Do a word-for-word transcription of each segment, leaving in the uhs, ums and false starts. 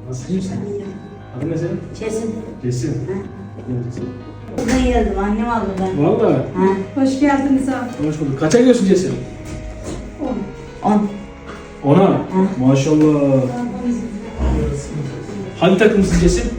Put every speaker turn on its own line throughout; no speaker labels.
Nasıl misin? Adın ne senin?
Kesin.
Cesim.
Buradan geldim, annem aldı ben.
Valla.
Ha.
Hoş geldiniz abi.
Hoş bulduk. Kaça gidiyorsun Cesim?
On.
Ona. Maşallah. Hangi takımısın Cesim?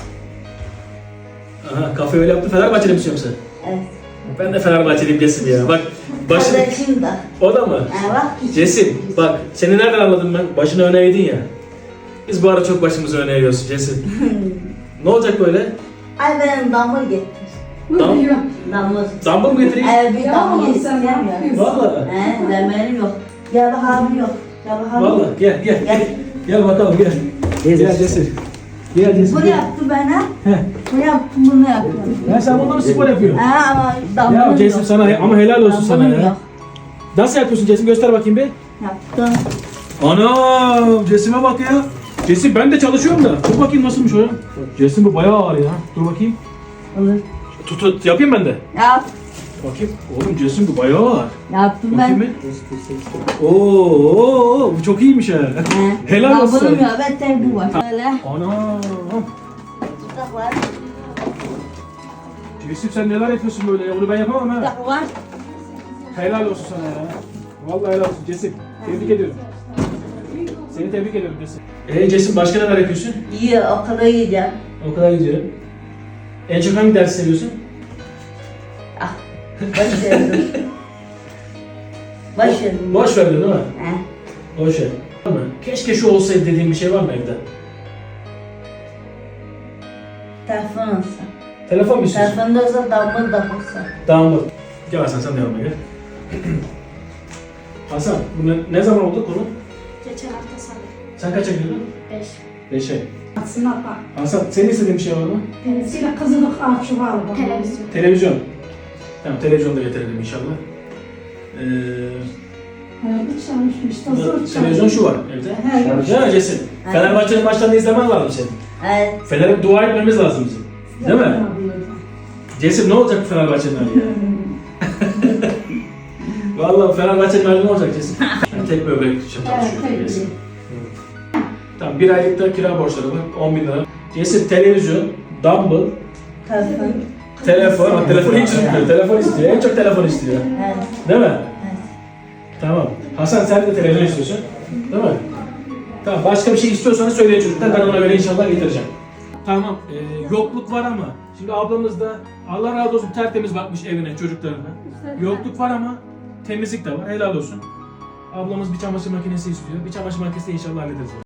Aha, kafe öyle yaptı. Fenerbahçeli misin yoksa?
Evet.
Ben de Fenerbahçeliyim Cesim ya. Bak başını...
Kardeşim de.
O da mı?
Ha bak.
Cesim bak seni nereden anladım ben? Başını öne eğdin ya. Biz bu ara çok başımızı öne eğiyoruz Cesim. Ne olacak böyle?
Ay benim damır getir.
Tamam.
Buyurun.
Damır.
Zambı mı getireyim?
Evet bir
Ya
damır
oğlum,
getir.
sen ne yapıyorsun?
Valla.
He ben benim yok. Gel bak abi yok. Gel bak abi.
Valla gel gel.
Gel.
Gel bakalım gel. Gel Cesim. Gel Cesim.
Bunu
gel.
yaptı bana.
Heh.
Bunu yaptım bunu yapıyorum.
Ya sen bununla mı spor yapıyorsun?
Ha ama damır
Ya
yok.
Cesim sana ama helal olsun sana
Damırım
ya.
yok.
Nasıl yapıyorsun Cesim göster bakayım bir.
Yaptım.
Ana Cesim'e bak ya. Cesim ben de çalışıyorum da. Dur bakayım nasılmış o ya. Cesim bu bayağı ağır ya. Dur bakayım.
Olur.
Tut, tut yapayım ben de.
Yap.
Bakayım. Oğlum Cesim bu bayağı ağır.
Yaptım
Bakayım
ben.
bir. Oo, oo, bu çok iyiymiş ha. Helal olsun.
Damırım yok. Ben tek bu var. Böyle.
Ana.
Tutaklar.
Cesim sen neler yapıyorsun böyle ya? Onu ben yapamam ha.
Tutak var.
Helal olsun sana ya. Vallahi helal olsun Cesim. Tebrik ediyorum. Seni tebrik ediyorum Cesim. Eee Cesim başka neler yapıyorsun?
İyi okula gideceğim.
O kadar gidiyorum. En çok hangi dersi seviyorsun?
Ah. Baş verdim. Baş verdim.
Boş verdin değil mi?
He.
Boş ver. Var mı? Keşke şu olsaydı dediğin bir şey var mı evde?
Telefon olsa.
Telefon mu istiyorsun?
Telefonda olsa damır da olsa.
Tamam bak. Gel Hasan sen de yanıma gel. Hasan bu ne, ne zaman oldu konu?
Geçen hafta salı.
Sen kaça gidiyordun?
Beş.
Beşe.
Aslında bak.
Hasan senin istediğin bir şey var mı?
Tenisiyle kızılık arşivi var. Televizyon.
Televizyon. Tamam televizyon da getirelim inşallah. Ee,
Herhalde çalışmış. Da zor çalışmış.
televizyon şu var evde.
He.
Değil mi Cesim? Fenerbahçe'nin maçlarını izlemen lazım senin.
Evet.
Fener'e dua etmemiz lazım bizim. Değil mi? Cesim ne olacak bu Fenerbahçe'nin hali ya? Vallahi Fenerbahçe'nin hali ne olacak Cesim? Yani tek böbrek için
Evet,
çalışıyor.
tek
Cesim. Tamam bir aylıkta kira borçları var. on bin lira. Cesim televizyon, dumbbell,
Telefon.
telefon. Bak, telefon hiç istiyor. Telefon istiyor. En çok telefon istiyor.
Evet.
Değil mi?
Evet.
Tamam. Hasan sen de televizyon istiyorsun. Değil mi? Tamam. Başka bir şey istiyorsanız söyleyin çocuklar. Ben ona göre inşallah getireceğim. Tamam. Ee, yokluk var ama şimdi ablamız da Allah razı olsun tertemiz bakmış evine, çocuklarına. Yokluk var ama temizlik de var. Helal olsun. Ablamız bir çamaşır makinesi istiyor. Bir çamaşır makinesi inşallah hallederiz.